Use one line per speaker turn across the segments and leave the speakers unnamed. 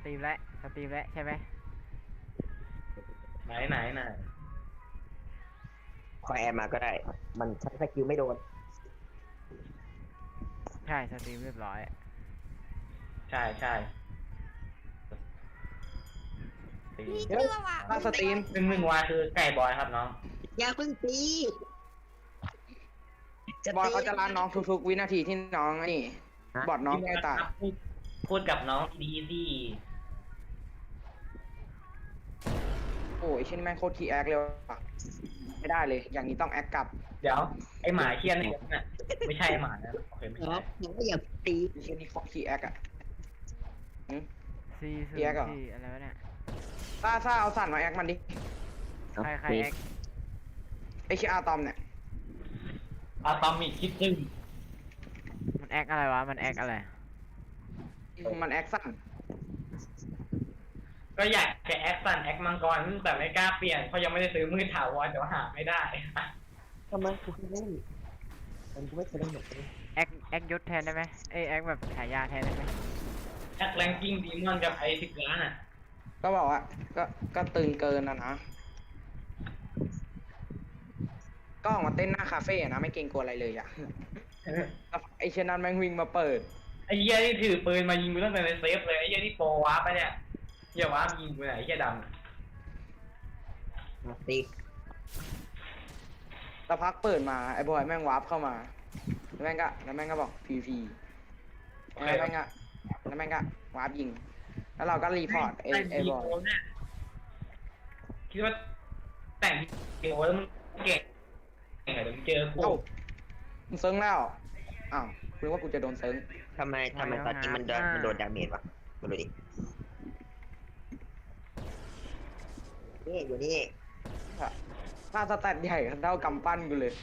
ตรีมแล้วสตรีมแล้วใช่ไหม
ไหน
คอยแอร์มาก็ได้มันใช้สกิลไม่โดน
ใช่สตรีมเรียบร้อย
ใช่ตี
นี่ชื่อว่า
ถ้าสตรีม
หนึ่งวาคือไก่บอยครับน้อง
อย่าเพิ่งตี
บอยเขาจะล้านน้องทุกๆวินาทีที่น้องนี่บอดน้องไม่ตาย
พูดกับน้องดีสิ
โอ้ยเช่นแม่งโคตรคีแอคเลยว่ะไม่ได้เลย อย่างนี้ต้องแอคกลับ
เดี๋ยวไอหมาเคียนเนี่ยน่ะไม่ใช่ไอ้หมานะโอเคไม่
ครั
ใช่
บหนูก็อย่าตี
เช่นนี้โคตรคีแอคอะ
ซีซู
เปียกเหรอ
ซีอะไรวะเนี่ย
ซ่าเอาสั่นมาแอคมันดิ
ใครแอค
ไอชื่ออาตอมเนี่ย
อะตอมิกคิดซึ่ง
มันแอคอะไรวะมันแอคอะไร
มันแอคสั่น
ก็อยากจะแอคซันแอคมังกรแต่ไม่กล้าเปลี่ยนเพราะยังไม่ได้ซื้อมือถาวรแต่ว่าหาไม่ได้
ทำไมกูไม่เล่นมันกูไม่เคยเล่นหรอก
แอคยศแทนได้ไหมแอคแบบฉายาแทนได้ไหม
แอคแรงกิ้งดีมอนกับไอ10 ล้านอ่ะ
ก็บอกว่าก็ตึงเกินนะก็ออกมาเต้นหน้าคาเฟ่อะนะไม่เกรงกลัวอะไรเลยอะแล้วไอเช่นนั้นแม่งวิ่งมาเปิด
ไอ้เหี้ยที่ถือปืนมายิงกูตั้งแต่ในเซฟเลยไอ้เหี้ยที่โปรวาร์ปไปเนี่ยเหี้ยวาร์ปยิงกูไหนไอ้เหี้ยดำน่ะ
ตี
แต่พักเปิดมาไอ้บอยแม่งวาร์ปเข้ามาแล้วแม่งก็บอกพีแล้วแม่งก็วาร์ปยิง แล้วเราก็รีพอร์ตไอ้บอย
คิดว่าแต่งทีโอแล้วมึงเก่งเหรอเดี๋ยวมึงเจอกู
เอ้ามึงเซิร์งแล้วอ้าวคุณว่ากูจะโดนเซิร์ง
ทำไมตอนนี้มันโดนดาเมจวะมาดูดินี่อยู่นี่
ถ้าสแตทใหญ่เท่ากำปั้นกูเลย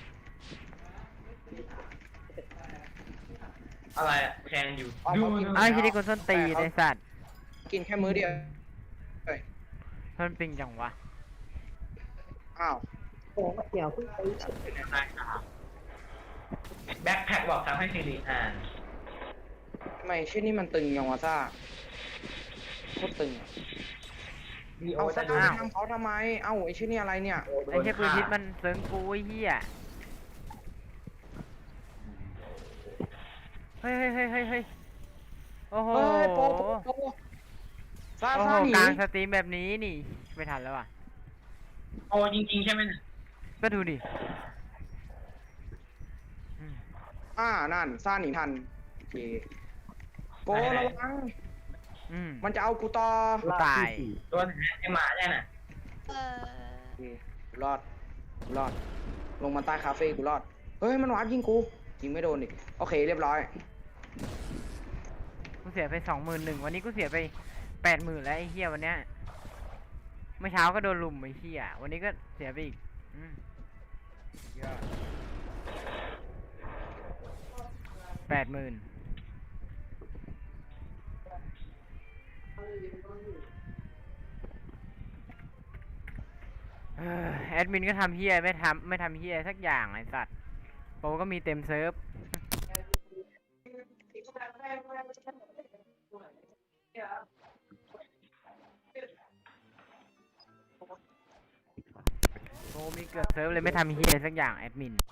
อะไรอะแทงอยู่
เอา
ดู
เขากิน
อ้าวที่นี่คนส้นตีนไอ้สัตว์
กินแค่มื้อเดียวเฮ้ย
ส้นปิงจังวะ
อ้าว
โอ้เดี๋ยวเพิ่งตี
แบ็คแพ็คบอกทำให้ซีรีอ่าน
ทำไมชื่อนี่มันตึงยังวะซ่าโคตรตึงอะ
มีโอ
เอา
จะ
ซ่า
ดู
ไปทำเขาทำไม เอ้าไอชื่อนี่อะไรเนี่ย
ไอ้เหี้ยปืนพิษมันเซิร์งกูไอ้เหี้ยเฮ้ยโอ้โห
เฮ้ยโปซ่า
โอ้โห
ซ่าหนี
กลางสตรีมแบบนี้นี่ไม่ทันแล้วอ่ะ
โอจริงๆใช่ไหมเนี่ย
ก็ดูดิอืม
นั่นซ่าหนีทันโอเคโประวัง มันจะเอากูต่อ
กูตาย
ตัวไหนไอหมาเนี่ยน่ะ
เออ
โอเคกูรอด ลงมาใต้คาเฟ่กูรอด เฮ้ย มันวาร์ปยิงกู ยิงไม่โดนดิโอเค เรียบร้อย
กูเสียไป21,000วันนี้กูเสียไป80,000แล้วไอ้เหี้ยวันเนี้ยเมื่อเช้าก็โดนลุมไอ้เหี้ยวันนี้ก็เสียไปอีกยอด80,000แอดมินก็ทำเฮียไม่ทำเฮียสักอย่างไอ้สัตว์โปรก็มีเต็มเซิร์ฟโปรมีเกือบเซิร์ฟเลยไม่ทำเฮียสักอย่างแอดมิน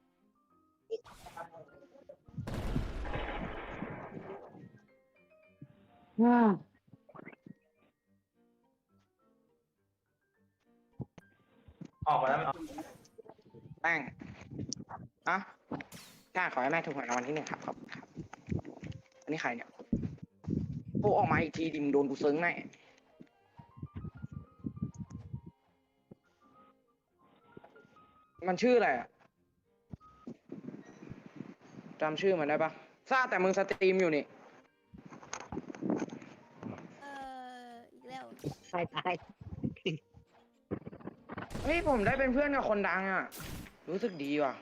ออกมาแล้ว
แป้งอะกล้าขอให้แม่ถูกหวยรางวัลที่ 1ครับครับ อันนี้ใครเนี่ยโอ้ออกมาอีกทีดิมงโดนกูเซิงแน่มันชื่ออะไรอะจำชื่อมันได้ปะทราบแต่มึงสตรีมอยู่นี่
อีกแล้ว
ตาย
เฮ้ยผมได้เป็นเพื่อนกับคนดังอะรู้สึกดีว่ะ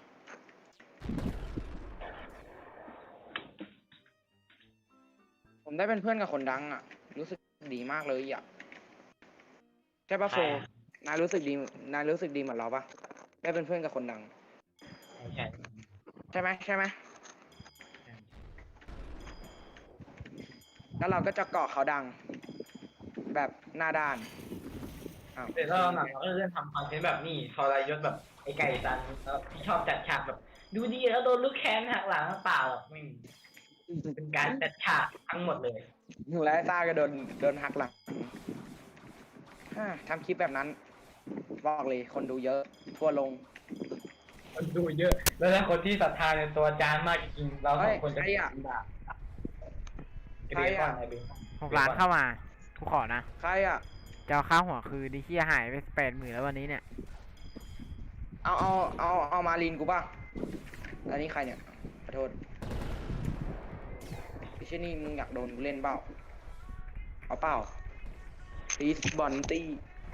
ผมได้เป็นเพื่อนกับคนดังอะรู้สึกดีมากเลยอะใช่ปะโฟนายรู้สึกดีเหมือนเราปะได้เป็นเพื่อนกับคนดัง
ใช่
ใช่ไหมแล้วเราก็จะเกาะเขาดังแบบหน้าด้านอ้าว
เดี๋ยวเราหนังเราก็เริ่มทำคอนเทนต์แบบนี้ทรยศแบบไอ้ไก่ตันแล้วที่ชอบจัดฉากแบบ ดูดีแล้วโดนลูกแค้นหักหลังเปล่าหรอกไม่มีเป็นการจัดฉากทั้งหมดเลย
แล้วไอ้ต้าก็โดนหักหลังทำคลิปแบบนั้นบอกเลยคนดูเยอะทั่วลง
คนดูเยอะ แล้วถ้าคนที่ศรัทธาในตัวอาจารย์มากจริงๆเราสองคนจะ
เฮ้ยใครอะ
ไอ้เบคอนไอ้เบคอน
6 ล้านเข้ามากูขอนะ
ใครอ่ะ
จะเอาค่าหัวคือดิเฮียหายไป80,000แล้ววันนี้เนี่ย
เอามาลินกูป่ะอันนี้ใครเนี่ยขอโทษไม่ใช่นี่มึงอยากโดนกูเล่นเปล่าเอาเปล่าปีสบอลตี้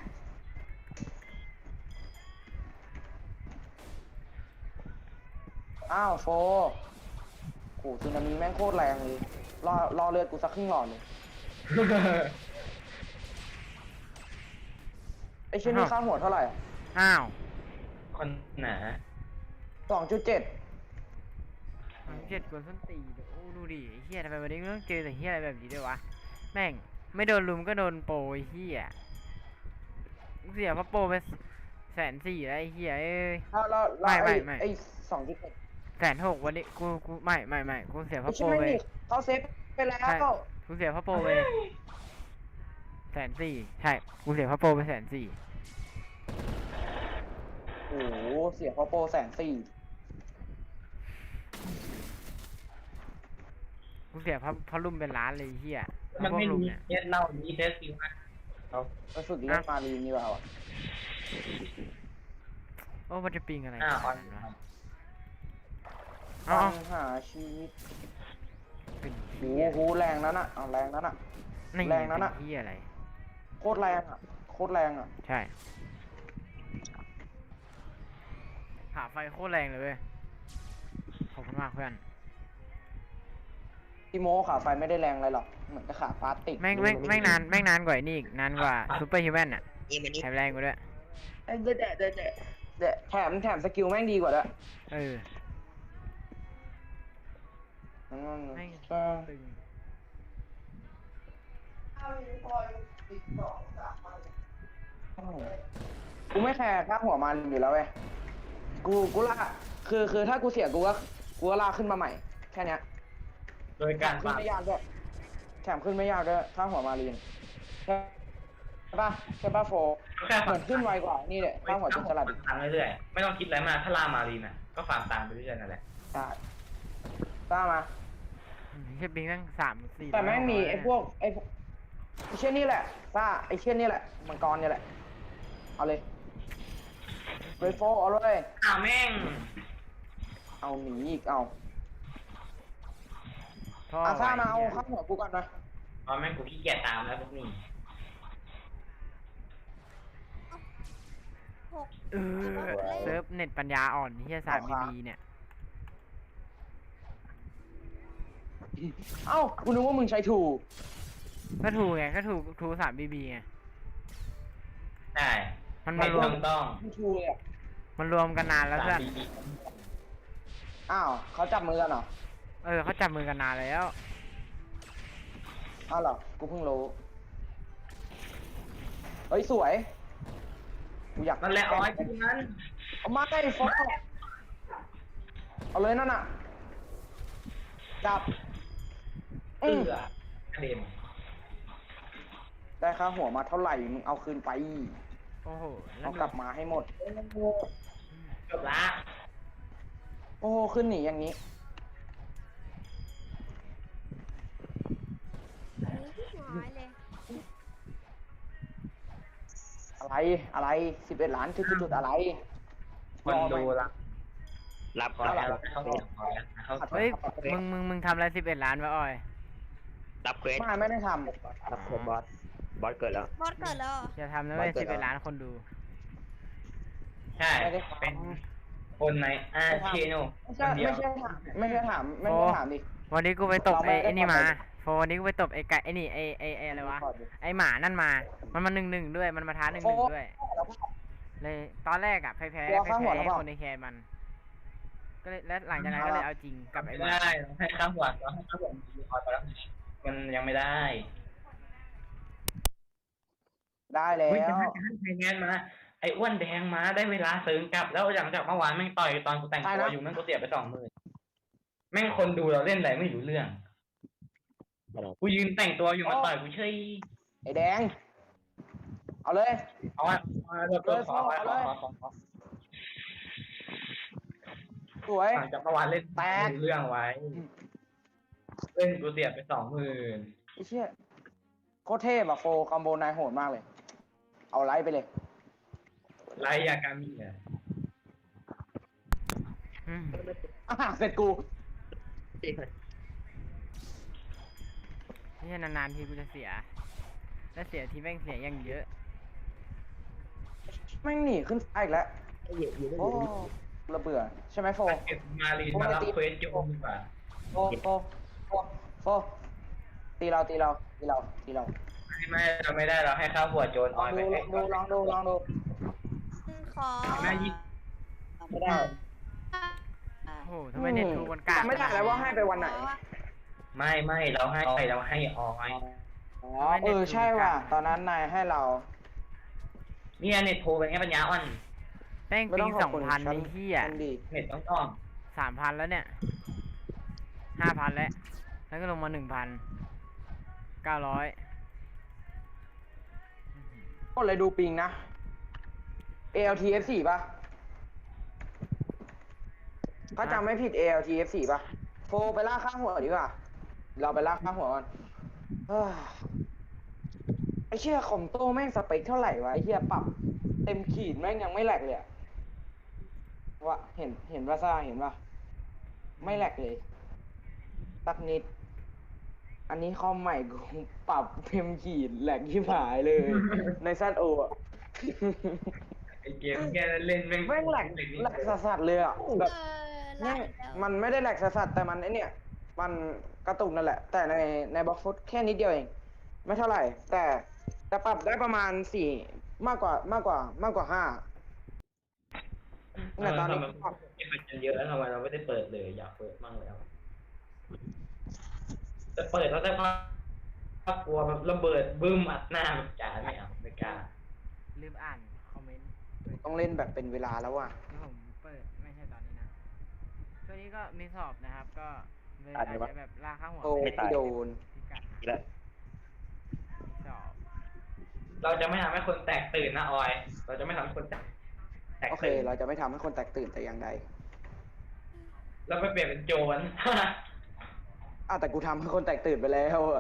อ้าวโฟโหสึนามิแม่งโคตรแรงเลยรอเลือดกูสักครึ่งหลอดเลยไอ้ชิ้นนี้ค่าหัวเท่าไหร่
อ้าว
คนหนา
2.7
เจ็ดกวนส้นตีนโอ้ดูดิไอ้เฮียทำไมวันนี้มึงต้องเจอแต่เฮียอะไรแบบนี้ด้วยวะแม่งไม่โดนลุมก็โดนโปรไอ้เฮียมึงเสียเพราะโปรไป140,000แล้วไอ้เฮียเอ้ย
แล้ว
ไม่
ไอ้2.7
160,000วันนี้กูไม่กูเสียเพ
ไอ้
ราะโป
ชิ้
ร
นไม่
ไป
มีเขาเซฟไปแล้ว
ใช่กูเสียเพราะโปรไป140,000ใช่กูเสียเพราะโปรไป140,000
โอ้โหเสียเพราะโปร140,000
กูเสียเพราะลุมเป็นล้านเลยไอ้เฮีย
มันไม่
พวกลุ
รู้
มเนี่ย
เน็ตเล่ามีเทสซิลนะเขา
ไปฝึกเล่นมารีนดีกว่าว่ะ
โอ้มันจะปิงอะไร
อ
ข
อน
นาดนั้นวะ
ต้
เอา
องหาชีวิต
เป็น
โอ้โหแรงนั้นอ่ะเอาแรงนั้นอ่ะ
นี่
แรงนั้นอะ
เป็นเฮียอะไร
โคตรแรงอ่ะโคตรแรงอ่ะ
ใช่ขาไฟโคตรแรงเลยเว้ยขอบคุณมากเพื่อน
พี่โมขาไฟไม่ได้แรงอะไรหรอกเหมือนกับขาพลาสติก
แม่งนานกว่าไอ้นี่อีกนานกว่าซูเปอร์ฮิวแมนอ่ะแถมแรงกว่าด้วย
เดะแถมสกิลแม่งดีกว่าด้วย
เออ
อืม
แม่ง
เออ
ตึง
กูไม่แคร์ค่าหัวมารีนอยู่แล้วเว้ยกูลากคือถ้ากูเสียกูก็ลากขึ้นมาใหม่แค่เนี้ย
โดยการ
ขึ้นไม่ยากด้วยแถมขึ้นไม่ยากด้วยถ้าหัวมารีนใช่ป่ะโฟ
แค่
เหมือนขึ้นไวกว่านี่แหละถ้าหัวจุดสลัดอีก
ตังเรื่อยๆไม่ต้องคิดอะไรมากถ้าล่ามารีนอ่ะก็ฟาร์มตังไปเรื่อยๆนั่นแหละ
ใช่ตามมา
แค่ปิงตั้ง3-4
แต่แม่งมีไอ้พวกไอ้เช่นนี่แหละซ่าไอ้เช่นนี่แหละมังกรเนี่ยแหละเอาเลยเรโฟเอาเลย
แม่ง
เอาหนีอีกเอา
ท่อ
อาซ่ามาเอา
ไว้
ข้างหัวกูก่อนนะ
ตอนแม่งกูขี้เกียจตามแล้วพวกนี้
เออเซิร์ฟเน็ตปัญญาอ่อนเฮีย3 BB เนี่ย
เอ้ากูนึกว่ามึงใช้ถูก
ก็ถูกไงก็ถูก3 BB ไง
ใช่
มัน
ไม่
มารว
ต้
ม
อง
ไม่ถูกเลยอะ
มันรวมกันนานแล้วเพื่อน
3 BB
อ้าวเขาจับมือกันเหรอ
เออเขาจับมือกันนานแล้ว
อ้าวเหรอกูเพิ่งรู้เฮ้ยสวยกูอยาก
นั่นแหละอ๋อยที่นั้น
เอามาใกล้ฟอกเอาเลยนั่นน่ะจับ
เอื้อกระเด็น
ได้ค่าหัวมาเท่าไหร่มึงเอาคืนไป
โอ้โหแล้
เอา
ว
กลับมาให้หมด
จบละ
โอ้โหขึ้นหนีอย่างนี้
อันนี้ที่น้อยเลย
อะไร11 ล้านจุดอะไร
คนดูละ
รับ
ขอแล้วเขาเสียงขอแล้วเขา
เฮ้ยมึงทำอะไร11 ล้านวะออย
รับเควส
ไม่ได้ท
รับเควสบอสเกิดแล้ว
บอสเกิดแล้วเหรอ
อย่าทำนะเว้ย11 ล้านคนดู
ใช่
ำไม่ได้
เป็นคนในเชโน
ไม่ใช่ถามไม่ใช่ถามดิ
วันนี้กูไปตบ
เราไม่ได้
ไอ้นี่มา
ทำอะไร
โฟวันนี้กูไปตบไอ้ไก่ไอ้นี่ไอ้อะไรวะไอ้หมานั่นมามันมา1-1ด้วยมันมาท้า1-1ด้วยเลยตอนแรกอะแพ้ให้คนในแคนมัน ก็เลยแล้วหลังจากนั้นก็เลยเอาจริงกับไอ้ห
ไม่
มา
ได้ให้ข้างหัวให้ข้างหัวมีคอยไปแล้วมันยังไม่ได้
ได้แล้
เฮ้ยว ไทยแลนด์มาไอ้อ้วนแดงมาได้เวลาเสริมกลับแล้วหลังจากเมื่อวานแม่งต่อยตอนกูแต่งตัวอยู่แม่งกูเสียไป20,000แม่งคนดูเราเล่นอะไรไม่รู้เรื่องกูยืนแต่งตัวอยู่มาต่อยกูเฉย
ไอ้แดง เอาเลย
เอาไว้เดี๋ยวขอ
สวย
หลังจากเมื่อวานเล่น
แตก
เรื่องไว้ เล่นกูเสียไป20,000
ไอ้เชี่ยโคตรเทพอะโฟคอมโบนายโหดมากเลย เอาไลท์ไปเลย
ไลยากามิอ่ะ
อืม
เสร็จกู
นี่นานๆทีกูจะเสีย แล้วเสียทีแม่งเสียอย่างเยอะ
แม่งหนีขึ้นซ้ายอีกแล้ว
อยู่ได้อ
โอ้
ยู่ได้
ระเบื่อใช่ไหมโฟ
เก็บมาลีนมารับเควสโยมดีกว่า
โฟตีเรา
ไม่เราไม่ได้เราให้ข้าวหัวโจร
ล
อ
อ
อง ย
ดู
ไป
ลองดู
ขอ
แม่ยี่
ไม่ได้
โอ้โหทำไมเน็ตทูมันกาก
จำไม่ได้แล้วว่าให้ไปวันไหน
ไม่เราให้ออย
อ๋อใช่ว่ะ ตอนนั้นนายให้เรา
เนี่ยเน็ตโทรเป็นไงปัญญาอ่อน
แป้ง
ไม่
ปิ
ต้อง งขอบคุณ
2,000ไอ้เหี้ย
ฉันดี
เน็ตต้อง
3,000แล้วเนี่ย 5,000แล้ว แล้วก็ลงมา1,900
ก็เลยดูปิงนะ ALTF4 ป่ะ ถ้าจำไม่ผิด ALTF4 ป่ะ โฟไปลากข้างหัวดีกว่า เราไปลากข้างหัวก่อนเฮ้ยไอเชี่ยคอมโต้แม่งสเปคเท่าไหร่วะไอเชี่ยปรับเต็มขีดแม่งยังไม่แหลกเลยอะวะเห็นว่าซ่าเห็นป่ะ ไม่แหลกเลยสักนิด อันนี้คอมใหม่กูปรับเต็มขีดแหลกที่หายเลย ในซันโออะ
ไอเกมแค่เล่นแม่ง
แม่งแหลกสัสๆเลยอ่ะแบบ
ลา
เนี่ย
กแล้ว
มันไม่ได้แหลกสัสๆแต่มันไอเนี่ยมันกระตุกนั่นแหละ แต่ในบล็อกฟุตแค่นิดเดียวเอง ไม่เท่าไหร่ แต่ปรับได้ประมาณ4มากกว่า5เนี่ยตอนนี้
มันเยอะแล้วทำไมเราไม่ได้เปิดเลยอยากเปิดมั่งแล้วจะเปิดแล้วแต่ว่ากลัวแบบระเบิดบึ้มอัดหน้าแบบจ๋าไม่เอาไม่กล้า
ลืมอ่านคอมเมนต์
ต้องเล่นแบบเป็นเวลาแล้วว่ะ
ที่ผมเปิดไม่ใช่ตอนนี้นะตัวนี้ก็มีสอบนะครับ ก็เลยอาจจะแบบลากข้างหัว
โอ้พี่โดน
พิกัด
อีกแล้ว
มีสอบ
เราจะไม่ทำให้คนแตกตื่นนะออย เราจะไม่ทำให้คนแตก
โอเค
ตื่น
เราจะไม่ทำให้คนแตกตื่นแต่อย่างใด
เราไปเปลี่ยนเป็นโจร
แต่กูทำให้คนแตกตื่นไปแล้วอะ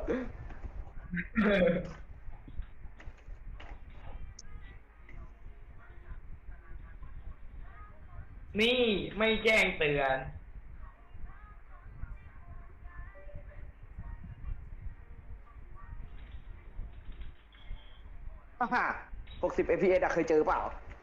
นี่ไม่แจ้งเตือน
60 fps อะเคยเจอเปล่า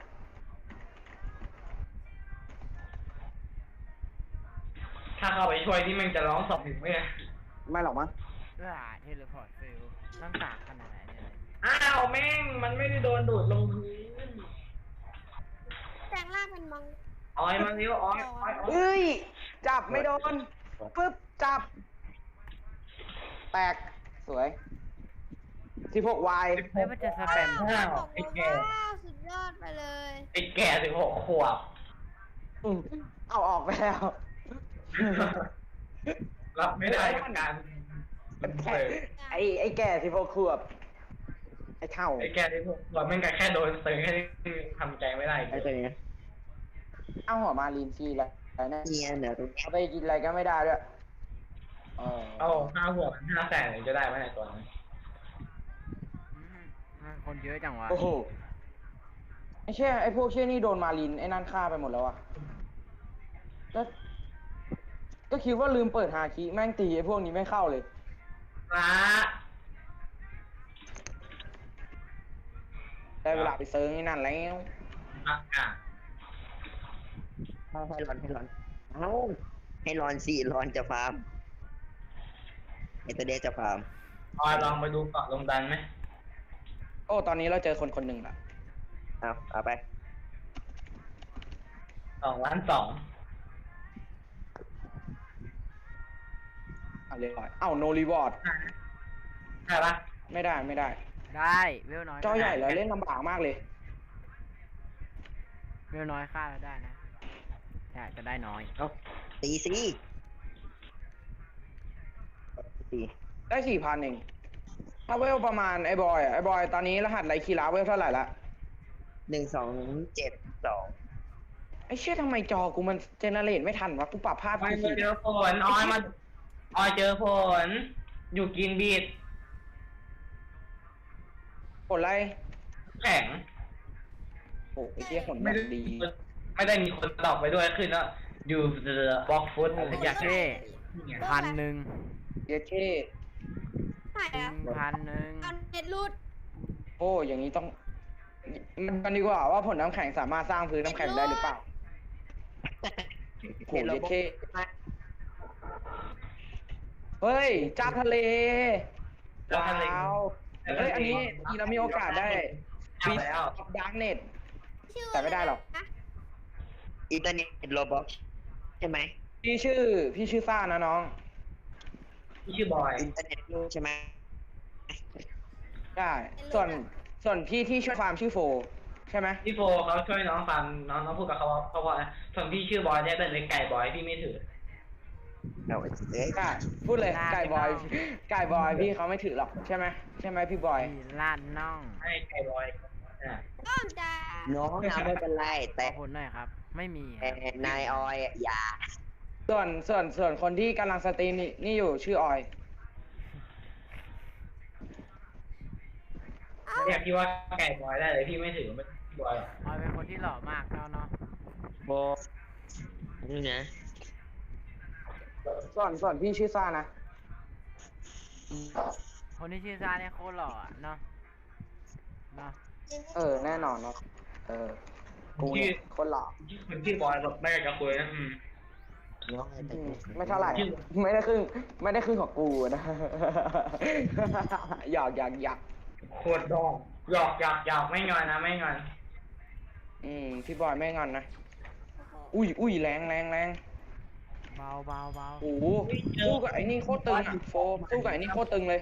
ถ้าเข้าไปช่วยที่มันจะร้องสอบถึงไหมเนี่ย
ไม่หรอกมั้ง
เทเลพอร์ตฟิลต้องตากขนาดไหนเนี่ย
อ้าวแม่งมันไม่ได้โดนดูดลงพื้น
แปลงร่างเป็นมัง
ออยมาเร็วออย
เอ้ย จับไม่โดน ปึ๊บ จับ แตก สวย 16 y
เฮ้ยมันจะสแปม
อ้าว
บอก
ไอ้
ว่า
แก่
ว้าวสุดยอดไปเลย
ไอ้แก่16 ขวบ
เอาออกไปแล้ว
รับไม่ได้กับการเปิด
ไอ้แก่16 ขวบ ไอ้เท่า
ไอ้แก่16 ขวบแม่งก็แค่โดนเตือนแค่นี้ทำใจไม่ได้
ไอ้ตัวนี้
เอาหัวมาลีนฟรีแล้วนะ
เนี่ยเหนือตรงนี้
เอาไปกินอะไรก็ไม่ได้ด้วย
เอา5 หัวมัน500,000ถึงจะได้ไหมในตัวนั้น
คนเยอะจังวะ
โอ้โห ไอ้เชี่ยไอ้พวกเชี่ยนี่โดนมาลีนไอ้นั่นฆ่าไปหมดแล้วอะแล้วก็คิดว่าลืมเปิดฮาคิแม่งตีไอ้พวกนี้ไม่เข้าเลย
ละ
ได้เวลาไปเซิร์งไอ้นั่นแล้ว
อากาศ
ให้รอนเอ้าให้รอนสิรอนจะฟาร์มไอ้ตัวเด็กจะฟาร์ม
ออยลองไปดูเกาะลงดันไหม
โอ้ตอนนี้เราเจอคนหนึ่งละ
เอาไป
2 ล้าน 2
เอาเลยเอ้าโนรีวอร์ด
ใช่ปะ
ไม่ได้
ได้เวลน้อย
จอใหญ่แล้วเล่นลำบากมากเลย
เวลน้อยฆ่าเราได้นะแต่อาจจะได้น้อย
ตีสิตี
ได้4,000เองถ้าเวลประมาณไอ้บอยไอ้บอยตอนนี้รหัสไรคีราเวลเท่าไหร่ละ
1272
ไอ้เชี่ยทำไมจอกูมันเจเนเรตไม่ทันวะกูปรับภาพ
ออย
ผิด
เจอฝนออยมาออยเจอฝนอยู่กินบีด
ผลอะไร
แข็ง
โอ้ไอ้เชี่ยผล
ไม่
แบ
ได้
บดี
ไม่ได้มีคนตอบไปด้วยขึ้นแล้วอยู่บล็อกฟุตอะไรสักอย่าง
เท่ 1,000
เยเช่
ไหนอะ
1,000
เอาเน็ตรูด
โอ้อย่างนี้ต้องมันกันดีกว่าว่าผลน้ำแข็งสามารถสร้างพื้นน้ำแข็งได้หรือเปล่าโหเยเช่เฮ้ยจ้าทะเล
แล้ว
ว้า
ทะเล
วเฮ้ยอันนี้เรามีโอกาสได้
เอาแล้ว
ดาร์กเน็ต
ชื่อ
แต่ไม่ได้หรอก
นะ
อินเทอร์เน็ตโรบ็อกใช่ไหม
พี่ชื่อซ่านะน้อง
ที่ชื่อบอย
อินเทอร์เน็ตใช่ไหม
ใช่ส่วนพี่ที่ช่วยฟาร์มชื่อโฟใช่ไหม
พี่โฟเขาช่วยน้องฟังน้องพูดกับเขาว่าส่วนพี่ชื่อบอยเนี่ยเป็นไก่บอยพี่ไม่ถือ
เอาเอ้ย
ใช่พูดเลยไก่บอยพี่เขาไม่ถือหรอกใช่ไหมพี่บอย
4ล้านน่อง
ให้ไก่บอยอ่ะ
ต้องจะ
น้องนะไม่เป็นไร
ข
แต่
อผลหน่อยครับ ไม่มีค
แต่
รับ
นายออยอย่า
ส่วนคนที่กำลังสตรีมนี่อยู่ชื่อออย
เรียกพี่ว่าไก่บอยได้เลยพี่ไม่ถือไม่บอยหรอก
ออยเป็นคนที่หล่อมากเนาะ
โบนี่นะ
ส่วนพี่ชื่อซ่านะ
คนที่ชื่อซาเนี่ยโคตรหล่ออะเนาะ
แน่นอนเนาะกูเนี่ยคนหล่อ
คนชื่อบอยแบบไม่อยากจะคุยนะ
น้องอะไร
ไม่เท่าไหร่ไม่ได้ครึ่งของกูนะ หยอก
โคตรดองหยอกไม่งอนนะไม่งอน
พี่บอยไม่งอนนะอุ้ยแรง
เบา
โอ้โหสู้กับไอ้นี่โคตรตึงอ่ะโฟสู้กับไอ้นี่โคตรตึงเลย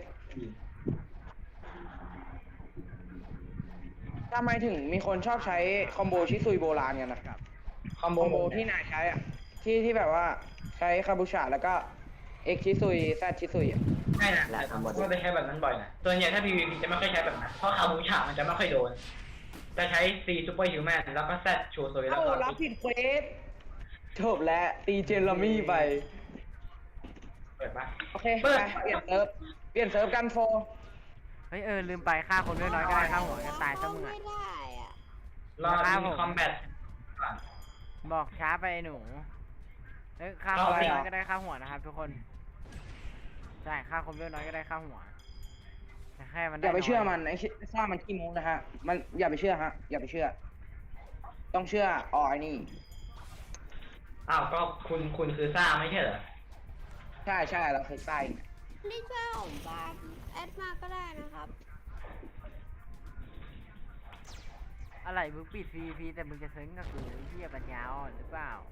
ทำไมถึงมีคนชอบใช้คอมโบชิซุยโบราณกันนะ
คอม
คอมโบ
โบ
ที่นายใช้อ่ะที่แบบว่าใช้คาบูชาแล้วก็เอ็กชิซุยแซดชิซุยอ่ะ
ใช่นะแต่ผมก็ไปใช้แบบนั้นบ่อยนะส่วนใหญ่ถ้า PVP จะไม่ค่อยใช้แบบนั้นเพราะคาบูชามันจะไม่ค่อยโดนจะใช้ C Super Human แล้วก็ Z โชว์โซยแล้ว
เอ้า
ก็
รับผิดเควสจบแล้วตีเจนลามี่ไป
เปิดปะ
โอเคไปเปลี่ยนเซิร์ฟกันโฟ
เฮ้ยลืมไปฆ่าคนน้อยๆก็ได้ฆ่าหัวจะตายซะมึง
ไม่
อะ
ได้อะ
รอมีคอมแบท
บอกช้าไปไอ้หนูเฮ้ยฆ่าคนน้อยก็ได้ฆ่าหัวนะครับทุกคนใช่ฆ่าคนน้อยก็ได้ฆ่าหัวแต่แค่มัน
อ
ได้
ย่าไปเชื่อ
น้ย
มันไอ้ซ่ามันขี้โม้นะฮะมันอย่าไปเชื่อฮะอย่าไปเชื่อ ต้องเชื่อไอ้นี่
อ้าวก็คุณคือซ่าไม่ใช่เหรอ
ใช่เราเคยใส่
นี่ช่วยผมฟาร์มแอดมาก็ได้นะครับ
อะไรมึงปิด PVP แต่มึงจะเซิร์ฟกับกูไอ้เหี้ยปัญญาอ่อนหรือเปล่า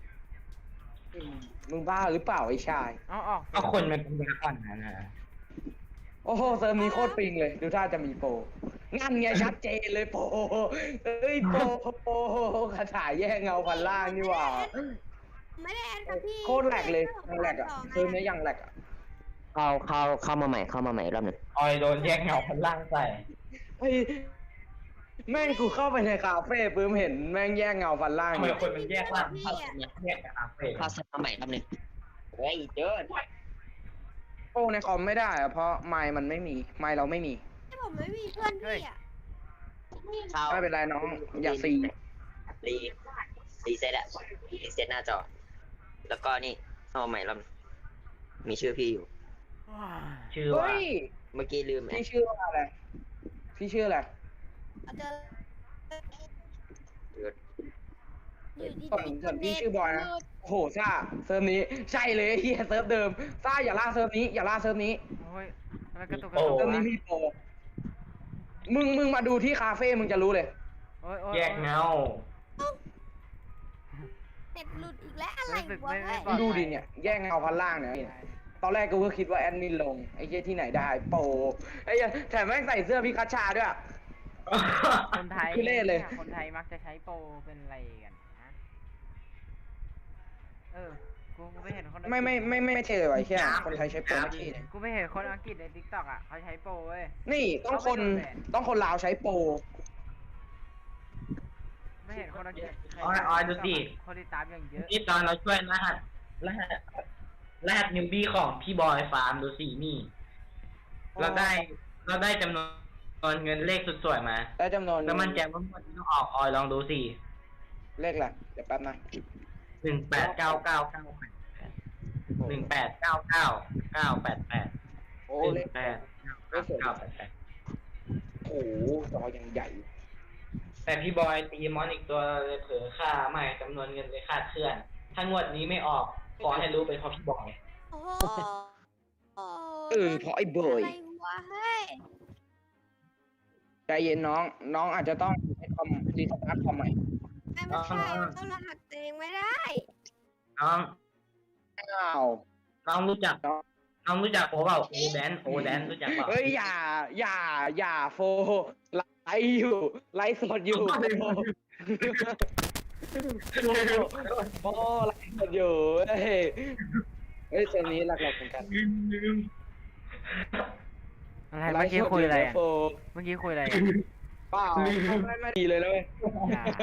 มึงบ้าหรือเปล่าไอ้ชาย
เอาออก
ก็คนมันเป็นก่อนนะ
โอ้โหเซิร์ฟนี้โคตรปิงเลย ดูท่าจะมีโปรงั้นไงชัดเจนเลยโปรเอ้ยโปรคาถาแย่งเงาพันล่างนี่หว่า
ไม่ได้แอดกับพี่
โคตรแหลกเลยแหลกอ่ะเซิร์ฟนี้ยังแหลกอ่ะ
เข้ามาใหม่รอบหนึ่ง
ออยโดนแยกเงาพันล่างใส่
เฮ้ยแม่งกูเข้าไปในคาเฟ่ปื้มเห็นแม่งแย่งเงาพันล่าง
ทำไม
อยู่
คนมันแยกล่างพันแยกกับอาเฟ่
เข้าเซตมาใหม่รอบหนึ่งเฮ้ยเดิน
โอ้ในคอมไม่ได้อะเพราะไมค์มันไม่มีไมค์เราไม่มี
ที่ผมไม่มีเพื่อนพี่อ่ะ
ไม่เป็นไรน้องอย่าซี
รีเซ็ตอะรีเซ็ตหน้าจอ แล้วก็นี่เข้ามาใหม่รอบหนึ่งมีชื่อพี่อยู่
ชื่อว่า
เฮ้ย
เมื่อกี้ลืม
พี่ชื่อว่าอะไรพี่ชื่ออะไร
เอาเจออยู่ดี
ส่วนพี่ชื่อบอยนะโอ้โหซ่าเซิร์ฟนี้ใช่เลยเฮียเซิร์ฟเดิมซ่าอย่าล่าเซิร์ฟนี้อย่าล่าเซิร์ฟนี้
โอ้ยทำไมกระตุก
เซิร์ฟนี้
วะ
มีโปรมึงมาดูที่คาเฟ่มึงจะรู้เลย
โอ้ย
แยกเงา
เน็ตหลุดอีกแล้วอะไร
รู้สึก
วะ
ไม่
เฮ้ย
ปลอด
ดู
ภัย
ดิเนี่ยแย่งเงาพันล่างเนี่ยตอนแรกกูก็คิดว่าแอดมินลงไอ้เหี้ยที่ไหนได้โปรไอ้เหี้ยแถมแม่งใส่เสื้อพิคัชชาด้วย
คนไทย
ทุเรศเลย
คนไทยมักจะใช้โปรเป็นอะไรกันนะกูไปเห็นคนอังกฤษ
ไม่ใช่เลยวะไอ้เหี้ยคนไทยใช้โปรไม่ใช่เลย
กูไปเห็นคนอังกฤษในทิกตอกอ่ะเขาใช้โปรเว้ย
นี่ต้องคนลาวใช้โปร
ไม่เห็นคนอังกฤษใช้
ออยดูสิ
คนติดตามอย่างเยอะ
นี่ตอนเราช่วยรหัสนิวบี้ของพี่บอยฟาร์มดูสินี่ เราได้จำนวนเงินเลขสุดสวยมา
ได้จำนวน
แล้วมันแจกว่าหมดที่ต้องออกออยลองดูสิ
เลขอะไรเดี๋ยวแป๊บนะ
189998
โอ้เลข
189988
โอ้โหจอยังใหญ่
แต่พี่บอยตีมอนอีกตัวเลยเผลอค่าไม่จำนวนเงินเลยคาดเคลื่อน ถ้างวดนี้ไม่ออกขอให้รู้เป็นเพราะพี่บอย
โอ้โห
เพราะไอ้เบ
อะ
ย
ไรวะเฮ้ย
ใจเย็นน้องอาจจะต้องให้คอมรีสตาร์ทคอมใหม่
ไม่ใช่มันต้องรหัสตัวเองไม่ได้
น้อง
อ้าว
น้องรู้จักโอเปล่าโอแดนรู้จักเปล่า
เฮ้ยอย่าโฟไลฟ์อยู่ไลฟ์สดอยู่โอ้ไลฟ์สดอยู่เฮ้ยเซนนี้หลักๆเหมือนกัน
อะไรเมื่อกี้คุยอะไรอะ
โฟ
เมื่อกี้คุยอะไร
เปล่าไม่ดีเลยนะเว้ย
อย่า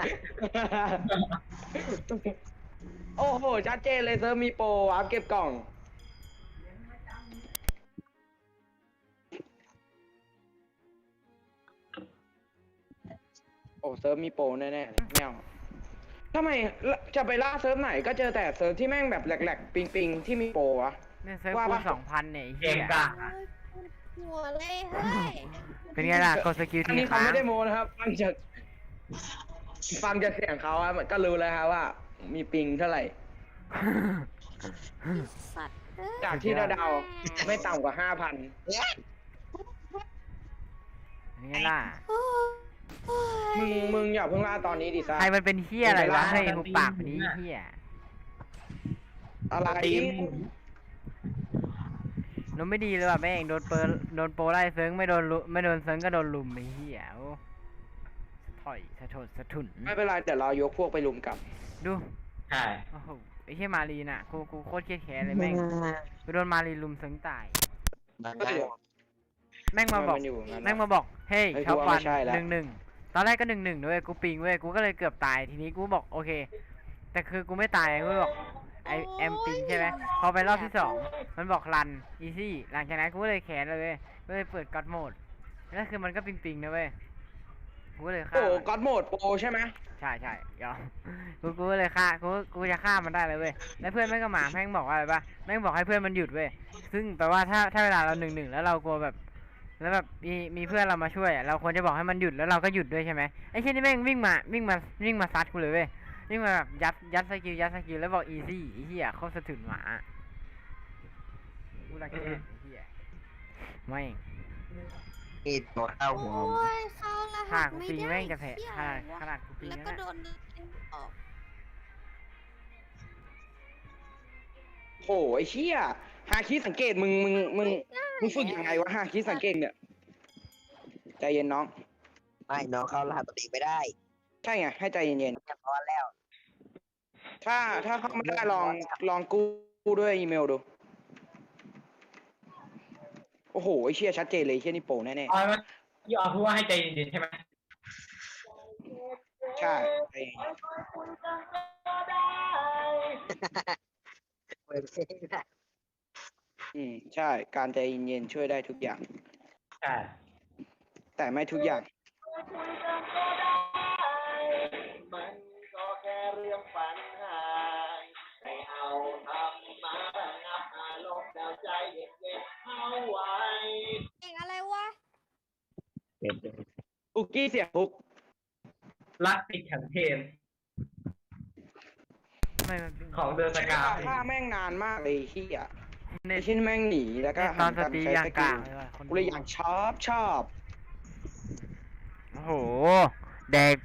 โอ้โหชัดเจนเลยเซิร์ฟมีโปรอัพเก็บกล่อง โอ้เซิร์ฟมีโปรแน่ๆไม่เอาทำไมจะไปล่าเซิร์ฟไหนก็เจอแต่เซิร์ฟที่แม่งแบบแหลกๆปิงๆที่มีโปรวะ
เนี่ยเซิร์ฟ
ว่า
คู
ปะ
ณ2,000เนี่ยไอ้
เก
เหี้
ม
ย
กะ
เฮ้ยหัวเลยเฮ้ย
เป็นไงล่ะกดสกิล
อัน
ที
นี้เขา
ค้าง
ไม่ได้โมนะครับฟังจากเสียงเขาอะก็รู้แล้วครับว่า มีปิงเท่าไหร่
สัตว์เอ้ย
จากที่เดาๆไม่ต่ำกว่า 5,000
เป็นไงล่ะ
โอ้ย
มึงอย่าเพิ่งล่าตอนนี้ดิซ่า
ใครมันเป็นเหี้ยอะไรวะ
ไม่
ให้
เป็นไร
หุบปากนี้เหี้ย
อะไร
นมไม่ดีเลยว่ะแม่งโดนโปรไล่เซิร์งไม่โดนเซิร์งก็โดนลุมไอ้เหี้ยโอ้ถอยสะทนสะทุน
ไม่เป็นไรเดี๋ยวเรายกพวกไปลุมกลับ
ดู
ใช่
โอ้โหไอ้เหี้ยมารีน่ะกูโคตรเครียดแค้นเลยแม่งกูโดนมารีลุมเซิร์งตาย แม่งมาบอก
มันอยู่งั้น
แม่งมาบอก เฮ้ย
เฮ้ย
ท็อป
กูว่า
วัน
ไม่ใช่แล้ว
1-1 ตอนแรกก็1-1ด้วยกูปิงเว้ย กูก็เลยเกือบตาย ทีนี้กูบอกโอเค แต่คือกูไม่ตายกูบอกไอแอมปิงใช่ไหมพอไปรอบที่ 2 มันบอกรัน อีซี่ หลังจากนั้นกูก็เลยแขนเลยเว้ยก็เลยเปิดก็อดโหมด แล้วคือมันก็ปิงนะเว้ย กูก็เลยฆ่า
โอ้
มัน
ก็อดโหมดโปรใช่ไหม
ใช่ยอม กูก็เลยฆ่ากูจะฆ่ามันได้เลยเว้ย แล้วเพื่อนแม่งก็มาแม่งบอกว่าอะไรปะแม่งบอกให้เพื่อนมันหยุดเว้ย ซึ่งแปลว่าถ้าเวลาเรา1-1แล้วเรากลัวแบบ แล้วแบบมีเพื่อนเรามาช่วยอะเราควรจะบอกให้มันหยุดแล้วเราก็หยุดด้วยใช่ไหมไอ้เช่นนี่แม่งวิ่งมาซัดกูเลยเว้ยวิ่งมาแบบยัดสกิลแล้วบอกอีซี่ไอ้เหี้ยโคตรสะทุนหมากูรักแค่ไอ้เหี้ยไม่ง
นี่ตัวเข้าหัว
โอ้ยเข้าร
ฆ่า
หัส
กู
ไม่
ปิง
ได้
แม่งจะแผล
เหี้ย
ขนาดกูปิง
แล้ว
นั่น
ก็
น่ะ
โดนดึงออก
โอ้ไอ้เชี่ยฮาคิสังเกตมึงฝึกยังไงวะฮาคิสังเกตเนี่ยใจเย็นน้อง
ไม่น้องเข้ารหัสตัวเองไม่ได้
ใช่ไงให้ใจเย็น
เรียบร้อยแล้ว
ๆถ้าเข้าไม่ได้ลองกู้ด้วยอีเมลดู โอ้โหไอ้เชี่ยชัดเจนเลยไอ้เชี่ยนี่โปรแน่
ออยมันพี่ออยพูดว่าให้ใจเย็นๆใช่ไหม
ๆใช่ใจเย็น
เปิดเพลงนะ
ใช่การใจเย็นๆช่วยได้ทุกอย่าง
ใช่
แต่ไม่ทุกอย่าง
เองอะไรวะ
อุกกี้เสียงพุก
รักติดขันเทน
ไม่มันปิง
ของเดอะสกา
ฆ่าแม่งนานมากเลยที่อ่ะ
เน็
ไอ้
ต
ชิ้นแม่งหนีแล้วก็
ตอนส
หัน
ตรี
ใช้
อย่าง
ส
ก
กิ
ลา
ล
งเลยว่ะคน
กูเลยอยากชอบ
โอ้โหแดก